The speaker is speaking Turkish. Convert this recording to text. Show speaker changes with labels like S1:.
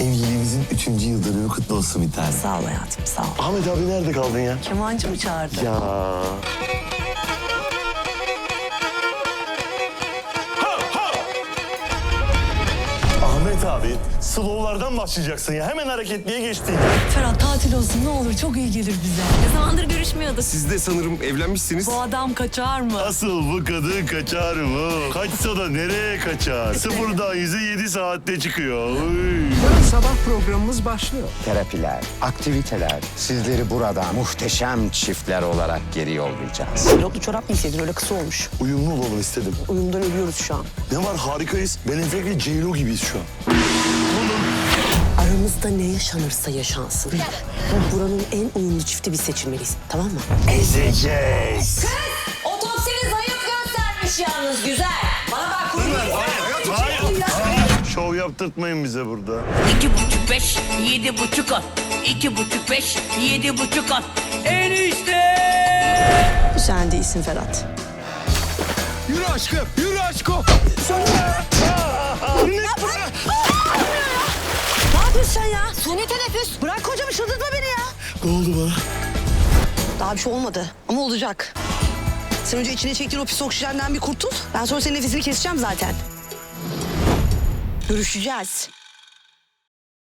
S1: Evliliğimizin 3. yıl dönümü kutlu olsun bir tane.
S2: Sağ ol hayatım, sağ ol.
S1: Ahmet abi nerede kaldın ya?
S2: Kemancı mı çağırdı?
S1: Ya. Ahmet abi, slowlardan başlayacaksın ya. Hemen hareketliye geçtin.
S2: Ferhat tatil olsun ne olur, çok iyi gelir bize.
S3: Ne zamandır görüşmüyorduk.
S4: Siz de sanırım evlenmişsiniz.
S2: Bu adam kaçar mı?
S1: Asıl bu kadın kaçar mı? Kaçsa da nereye kaçar? Sıfırdan 100'e 7 saatte çıkıyor. Uy.
S5: Yarın sabah programımız başlıyor.
S6: Terapiler, aktiviteler, sizleri burada muhteşem çiftler olarak geri yollayacağız.
S2: Pilotlu çorap mı istedin? Öyle kısa olmuş.
S1: Uyumlu olalım istedim.
S2: Uyumdan ölüyoruz şu an.
S1: Ne var, harikayız. Ben Enfek'le J-Lo gibiyiz şu an.
S2: Aramızda ne yaşanırsa yaşansın. Bu buranın en uyumlu çifti biz seçilmeliyiz. Tamam mı?
S1: Ezeceğiz.
S3: Otopsini zayıf göstermiş yalnız güzel. Bana bak kurban.
S1: Hayır. Şov yaptırtmayın bize burada.
S7: 2,5-5, 7,5 at. 2,5-5, 7,5 at. Enişte!
S2: Sen değilsin Ferhat.
S4: Yürü aşkım, yürü aşkım.
S2: Ne yapıyorsun sen ya? Suni teneffüs. Bırak kocamı, çıldırtma beni ya.
S1: Ne oldu bana?
S2: Daha bir şey olmadı ama olacak. Sen önce içine çektiğin o pis oksijenden bir kurtul. Ben sonra senin nefesini keseceğim zaten. Görüşeceğiz.